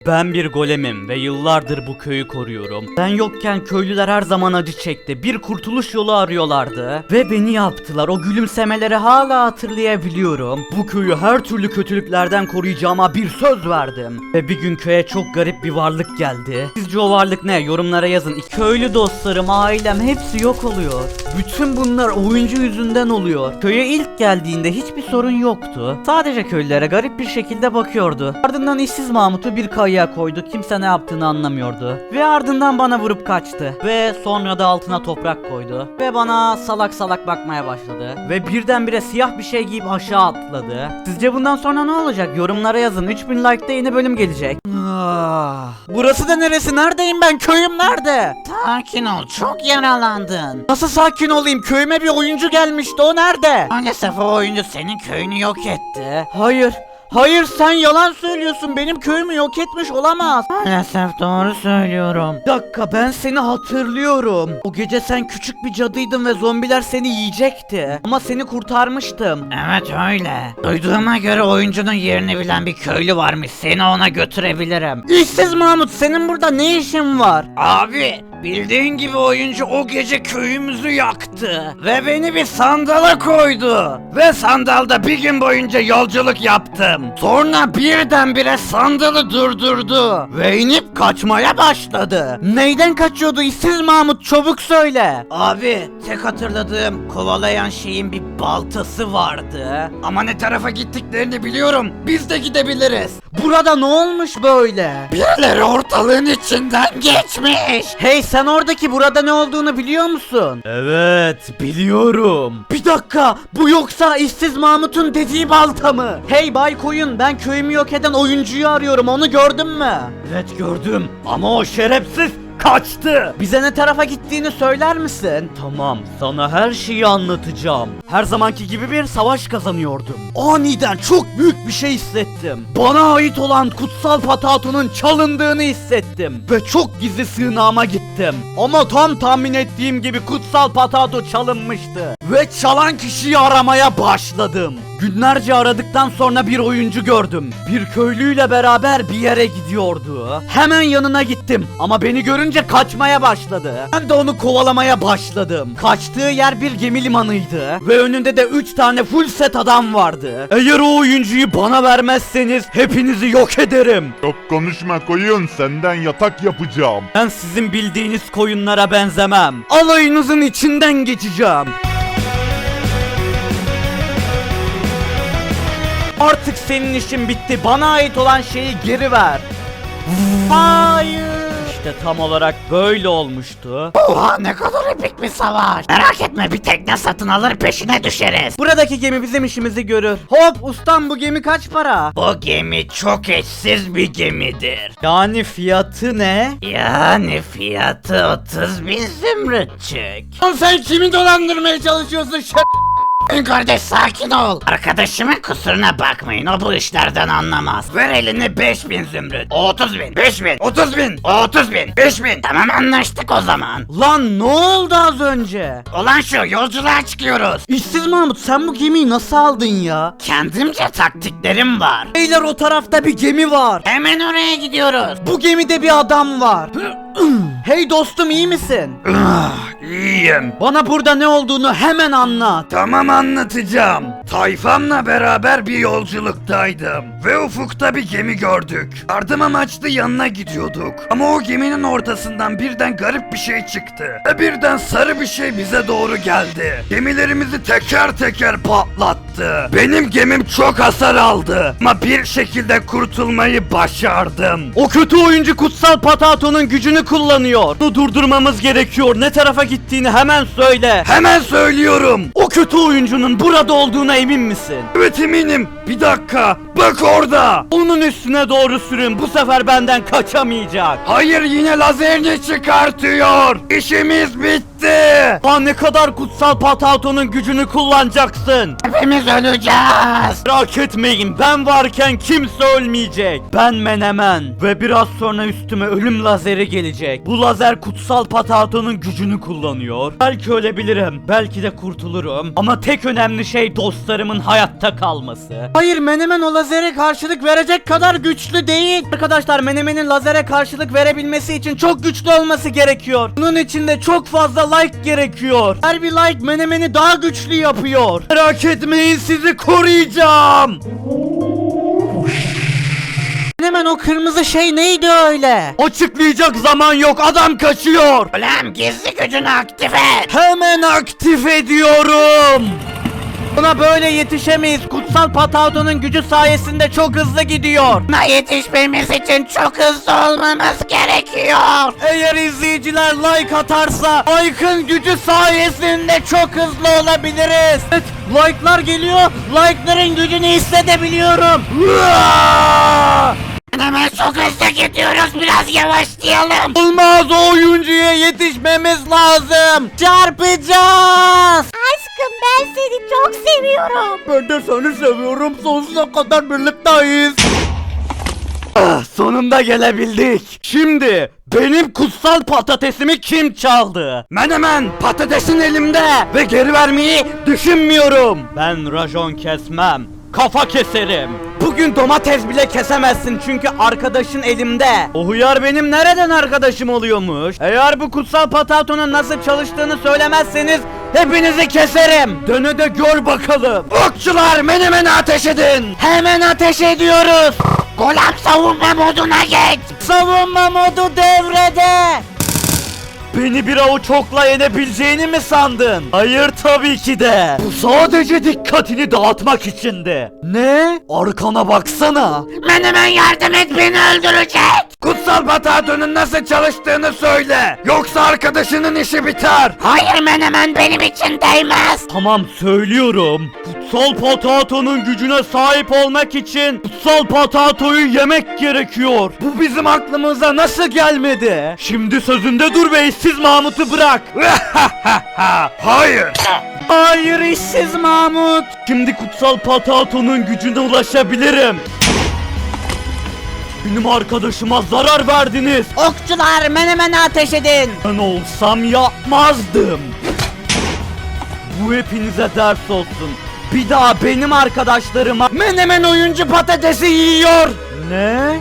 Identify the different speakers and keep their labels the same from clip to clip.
Speaker 1: Ben bir golemim ve yıllardır bu köyü koruyorum. Ben yokken köylüler her zaman acı çekti. Bir kurtuluş yolu arıyorlardı. Ve beni yaptılar. O gülümsemeleri hala hatırlayabiliyorum. Bu köyü her türlü kötülüklerden koruyacağıma bir söz verdim. Ve bir gün köye çok garip bir varlık geldi. Sizce o varlık ne? Yorumlara yazın. Köylü dostlarım, ailem hepsi yok oluyor. Bütün bunlar oyuncu yüzünden oluyor. Köye ilk geldiğinde hiçbir sorun yoktu. Sadece köylülere garip bir şekilde bakıyordu. Ardından işsiz Mahmut'u bir kayaya koydu. Kimse ne yaptığını anlamıyordu. Ve ardından bana vurup kaçtı. Ve sonra da altına toprak koydu. Ve bana salak salak bakmaya başladı. Ve birdenbire siyah bir şey giyip aşağı atladı. Sizce bundan sonra ne olacak? Yorumlara yazın. 3000 like'da yeni bölüm gelecek. Burası da neresi? Neredeyim ben? Köyüm nerede?
Speaker 2: Sakin ol, çok yaralandın.
Speaker 1: Nasıl sakin olayım? Köyüme bir oyuncu gelmişti. O nerede?
Speaker 2: Maalesef o oyuncu senin köyünü yok etti.
Speaker 1: Hayır. Hayır, sen yalan söylüyorsun. Benim köyümü yok etmiş olamaz.
Speaker 2: Maalesef doğru söylüyorum.
Speaker 1: Bir dakika, ben seni hatırlıyorum. O gece sen küçük bir cadıydın ve zombiler seni yiyecekti. Ama seni kurtarmıştım.
Speaker 2: Evet öyle. Duyduğuma göre oyuncunun yerini bilen bir köylü varmış. Seni ona götürebilirim.
Speaker 1: İşsiz Mahmut, senin burada ne işin var?
Speaker 2: Abi, bildiğin gibi oyuncu o gece köyümüzü yaktı. Ve beni bir sandala koydu. Ve sandalda bir gün boyunca yolculuk yaptım. Sonra birdenbire sandalı durdurdu. Ve inip kaçmaya başladı.
Speaker 1: Neyden kaçıyordu işsiz Mahmut? Çabuk söyle.
Speaker 2: Abi, tek hatırladığım kovalayan şeyin bir baltası vardı. Ama ne tarafa gittiklerini biliyorum. Biz de gidebiliriz.
Speaker 1: Burada ne olmuş böyle?
Speaker 2: Birileri ortalığın içinden geçmiş.
Speaker 1: Hey, sen oradaki burada ne olduğunu biliyor musun? Evet, biliyorum. Bir dakika, bu yoksa işsiz Mahmut'un dediği balta mı? Hey Bay Koyun, ben köyümü yok eden oyuncuyu arıyorum, onu gördün mü? Evet gördüm ama o şerefsiz kaçtı. Bize ne tarafa gittiğini söyler misin? Tamam, sana her şeyi anlatacağım. Her zamanki gibi bir savaş kazanıyordum. Aniden çok büyük bir şey hissettim. Bana ait olan kutsal patatonun çalındığını hissettim. Ve çok gizli sığınağıma gittim. Ama tam tahmin ettiğim gibi kutsal patato çalınmıştı. Ve çalan kişiyi aramaya başladım. Günlerce aradıktan sonra bir oyuncu gördüm. Bir köylüyle beraber bir yere gidiyordu. Hemen yanına gittim ama beni görünce kaçmaya başladı. Ben de onu kovalamaya başladım. Kaçtığı yer bir gemi limanıydı ve önünde de 3 tane full set adam vardı. Eğer o oyuncuyu bana vermezseniz hepinizi yok ederim.
Speaker 3: Çok konuşma koyun, senden yatak yapacağım.
Speaker 1: Ben sizin bildiğiniz koyunlara benzemem. Alayınızın içinden geçeceğim. Artık senin işin bitti. Bana ait olan şeyi geri ver. Hayır. İşte tam olarak böyle olmuştu.
Speaker 2: Oha, ne kadar epik bir savaş. Merak etme, bir tekne satın alır peşine düşeriz.
Speaker 1: Buradaki gemi bizim işimizi görür. Hop ustam, bu gemi kaç para?
Speaker 2: Bu gemi çok eşsiz bir gemidir.
Speaker 1: Yani fiyatı ne?
Speaker 2: Yani fiyatı 30.000 zümrütçük.
Speaker 1: Lan sen kimi dolandırmaya çalışıyorsun
Speaker 2: Kardeş, sakin ol. Arkadaşımın kusuruna bakmayın, o bu işlerden anlamaz. Ver elini 5.000 zümrüt. O 30.000. 5.000. 30.000. O 30.000. 5.000. Tamam, anlaştık o zaman.
Speaker 1: Lan ne oldu az önce?
Speaker 2: Olan şu, yolculuğa çıkıyoruz.
Speaker 1: İşsiz Mahmut, sen bu gemiyi nasıl aldın ya?
Speaker 2: Kendimce taktiklerim var.
Speaker 1: Beyler, o tarafta bir gemi var.
Speaker 2: Hemen oraya gidiyoruz.
Speaker 1: Bu gemide bir adam var. Hey dostum, iyi misin?
Speaker 2: İyiyim.
Speaker 1: Bana burada ne olduğunu hemen anlat.
Speaker 2: Tamam, anlatacağım. Tayfamla beraber bir yolculuktaydım. Ve ufukta bir gemi gördük. Yardım amaçlı yanına gidiyorduk. Ama o geminin ortasından birden garip bir şey çıktı. Ve birden sarı bir şey bize doğru geldi. Gemilerimizi teker teker patlattı. Benim gemim çok hasar aldı. Ama bir şekilde kurtulmayı başardım.
Speaker 1: O kötü oyuncu kutsal patatonun gücünü kullanıyor. Onu durdurmamız gerekiyor. Ne tarafa gittiğini hemen söyle.
Speaker 2: Hemen söylüyorum.
Speaker 1: O kötü oyuncunun burada olduğuna emin misin?
Speaker 2: Evet, eminim. Bir dakika. Bak orada.
Speaker 1: Onun üstüne doğru sürün. Bu sefer benden kaçamayacak.
Speaker 2: Hayır, yine lazerini çıkartıyor. İşimiz bitti.
Speaker 1: Aa, ne kadar kutsal patatonun gücünü kullanacaksın?
Speaker 2: Hepimiz öleceğiz.
Speaker 1: Merak etmeyin, ben varken kimse ölmeyecek. Ben Menemen ve biraz sonra üstüme ölüm lazeri gelecek. Bu lazer kutsal patatonun gücünü kullanıyor. Belki ölebilirim, belki de kurtulurum. Ama tek önemli şey dostlarımın hayatta kalması. Hayır, Menemen o lazere karşılık verecek kadar güçlü değil. Arkadaşlar, Menemen'in lazere karşılık verebilmesi için çok güçlü olması gerekiyor. Bunun için de çok fazla like gerekiyor. Her bir like Menemen'i daha güçlü yapıyor. Merak etmeyin, sizi koruyacağım. Hemen o kırmızı şey neydi öyle? Açıklayacak zaman yok, adam kaçıyor.
Speaker 2: Ulan gizli gücünü aktif et.
Speaker 1: Hemen aktif ediyorum. Buna böyle yetişemeyiz. Kutsal Patato'nun gücü sayesinde çok hızlı gidiyor.
Speaker 2: Buna yetişmemiz için çok hızlı olmamız gerekiyor.
Speaker 1: Eğer izleyiciler like atarsa like'ın gücü sayesinde çok hızlı olabiliriz. Evet, like'lar geliyor. Like'ların gücünü hissedebiliyorum.
Speaker 2: Hemen çok hızlı gidiyoruz, biraz yavaşlayalım.
Speaker 1: Olmaz, o oyuncuya yetişmemiz lazım. Çarpacağız.
Speaker 4: Aşkım ben seni çok seviyorum.
Speaker 1: Ben de seni seviyorum. Sonsuza kadar birlikteyiz. Ah, sonunda gelebildik. Şimdi benim kutsal patatesimi kim çaldı? Menemen, patatesin elimde ve geri vermeyi düşünmüyorum. Ben rajon kesmem. Kafa keserim. Bugün domates bile kesemezsin çünkü arkadaşın elimde. O hıyar benim nereden arkadaşım oluyormuş? Eğer bu kutsal patatonun nasıl çalıştığını söylemezseniz hepinizi keserim. Döne de gör bakalım. Okçular, Menemen'e ateş edin. Hemen ateş ediyoruz.
Speaker 2: Golem savunma moduna geç.
Speaker 1: Savunma modu devrede. Beni bir avuç okla yenebileceğini mi sandın? Hayır, tabii ki de. Bu sadece dikkatini dağıtmak içindi. Ne? Arkana baksana.
Speaker 2: Menemen yardım et, beni öldürecek. Kutsal Patato'nun nasıl çalıştığını söyle. Yoksa arkadaşının işi biter. Hayır Menemen, benim için değmez.
Speaker 1: Tamam, söylüyorum. Kutsal Patato'nun gücüne sahip olmak için Kutsal Patato'yu yemek gerekiyor. Bu bizim aklımıza nasıl gelmedi? Şimdi sözünde dur ve işsiz Mahmut'u bırak.
Speaker 2: Hayır.
Speaker 1: Hayır, işsiz Mahmut. Şimdi Kutsal Patato'nun gücüne ulaşabilirim. Benim arkadaşıma zarar verdiniz.
Speaker 4: Okçular Menemen'e ateş edin.
Speaker 1: Ben olsam yapmazdım. Bu hepinize ders olsun. Bir daha benim arkadaşlarıma Menemen oyuncu patatesi yiyor. Ne?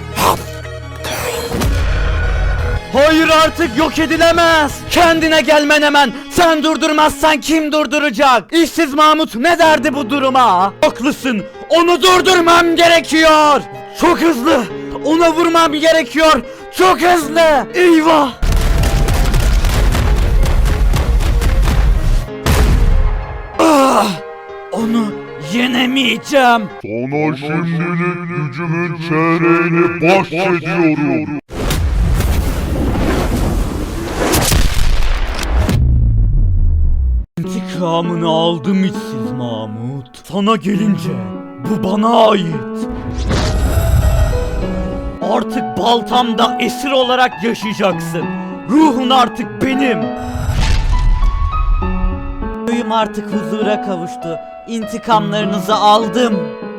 Speaker 1: Hayır, artık yok edilemez. Kendine gel Menemen. Sen durdurmazsan kim durduracak? İşsiz Mahmut ne derdi bu duruma? Haklısın. Onu durdurmam gerekiyor. Çok hızlı. Ona vurmam gerekiyor. Çok hızlı. Eyvah. Ah, onu yenemeyeceğim.
Speaker 3: Sana şimdilik gücümün çeyreğini bahşediyorum.
Speaker 1: İntikamını aldım işsiz Mahmut. Sana gelince bu bana ait. Artık baltamda esir olarak yaşayacaksın. Ruhun artık benim. Köyüm artık huzura kavuştu. İntikamlarınızı aldım.